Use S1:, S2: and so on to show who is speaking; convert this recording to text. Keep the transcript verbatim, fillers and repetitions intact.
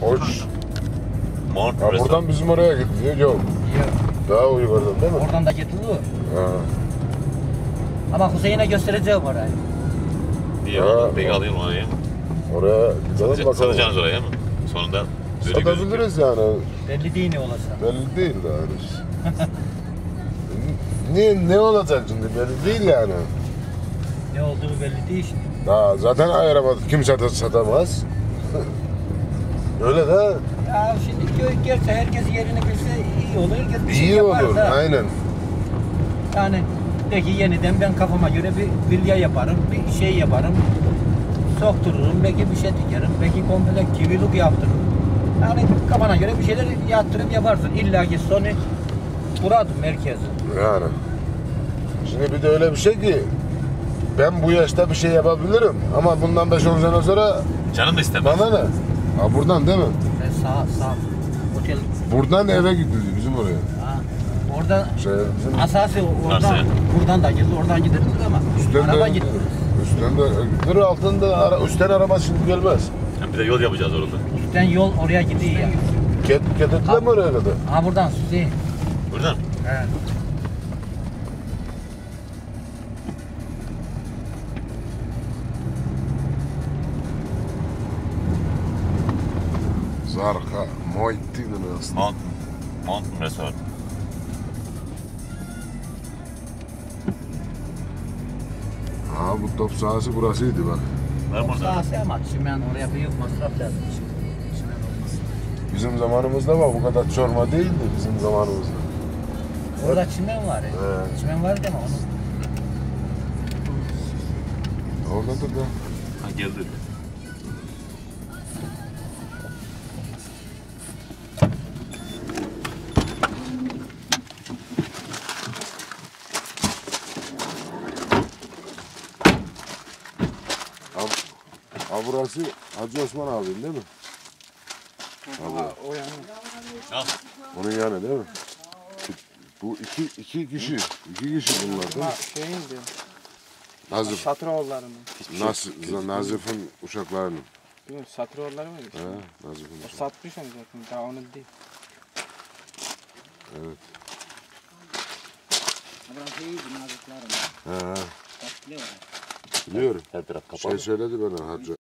S1: Oç.
S2: Mount
S1: Ha, buradan bizim oraya gidiyor. Yok.
S3: Yok.
S1: Daha yukarıdan değil mi?
S3: Oradan da gidiyor.
S1: Ha.
S3: Ama Hüseyin'e göstereceğim orayı.
S2: İyi
S1: Ha,
S2: oldu. Peki
S1: o-
S2: alayım oraya.
S1: Oraya gidelim
S2: Satacak,
S1: bakalım.
S2: satacaksınız oraya mı? Sonunda. düzgün gözüküyor.
S1: Satabiliriz yani.
S3: Belli değil ne olacak.
S1: Belli değil daha henüz. ne, ne olacak şimdi belli değil yani.
S3: Ne olduğu belli değil şimdi.
S1: Daha zaten ayıramadık. Kimse de satamaz. Öyle de
S3: Ya şimdi köy gerçi herkes yerini bilse iyi olur. Herkes bir şey
S1: iyi
S3: yapar
S1: olur.
S3: da.
S1: Aynen.
S3: Yani peki yeniden ben kafama göre bir vilya yaparım, bir şey yaparım. Soktururum, belki bir şey dikerim, belki komple kiviluk yaptırırım. Yani kafana göre bir şeyler yaptırım yaparsın. İlla ki sonu buradır merkezi.
S1: Yani. Şimdi bir de öyle bir şey ki ben bu yaşta bir şey yapabilirim ama bundan beş on sene sonra
S2: Canım da istemez.
S1: bana ne? Ha buradan değil mi?
S3: Ve sağ sağ otel.
S1: Buradan eve gidiyor bizim oraya.
S3: Ha, orada
S1: Şey, bizim
S3: asası oradan
S2: Arsaya.
S3: buradan da gidilir, oradan gidilir ama
S1: üstten
S3: araba
S1: de
S3: gitmez.
S1: üstten de gidilir altında ara, üstten araba şimdi gelmez.
S2: Yani bir de yol yapacağız orada.
S3: Üstten yol oraya gidiyor ya.
S1: Ket, ketetler mi oraya kadar?
S3: Ha buradan Süzey.
S2: Buradan.
S3: Evet.
S1: Zarka, Muhittin aslında.
S2: Mount, Mount Resort.
S1: Ha bu top sahası burasıydı bak.
S2: Var mı orada?
S3: Sağ ama çimen oraya büyük masraf lazım. Çimen olmaz.
S1: Bizim zamanımızda bak bu kadar çorma değildi bizim zamanımızda.
S3: Orada çimen var ya.
S1: Evet.
S3: Çimen var deme onu.
S1: Oradadır da.
S2: Ha geldi.
S1: Ha, ha burası Hacı Osman abinin değil mi?
S4: Ha, o yani.
S2: Al.
S1: Onun yanı değil mi? Bu iki, iki kişi, iki kişi bunlar değil mi?
S4: Ha, şeyin diyor.
S1: Nazif,
S4: Satıroğulları'nın.
S1: Nas, Nazif'in uşaklarının.
S4: Bilmiyorum, Satıroğulları mı?
S1: He, Nazif'in
S4: O
S1: uşakları.
S4: satmış onu zaten, daha onun değil.
S1: Evet.
S3: Burası iyiydi naziklerim.
S1: He, he.
S3: Tatlı orası.
S1: Biliyorum.
S2: Her taraf kapalı.
S1: Şey söyledi bana Hacı.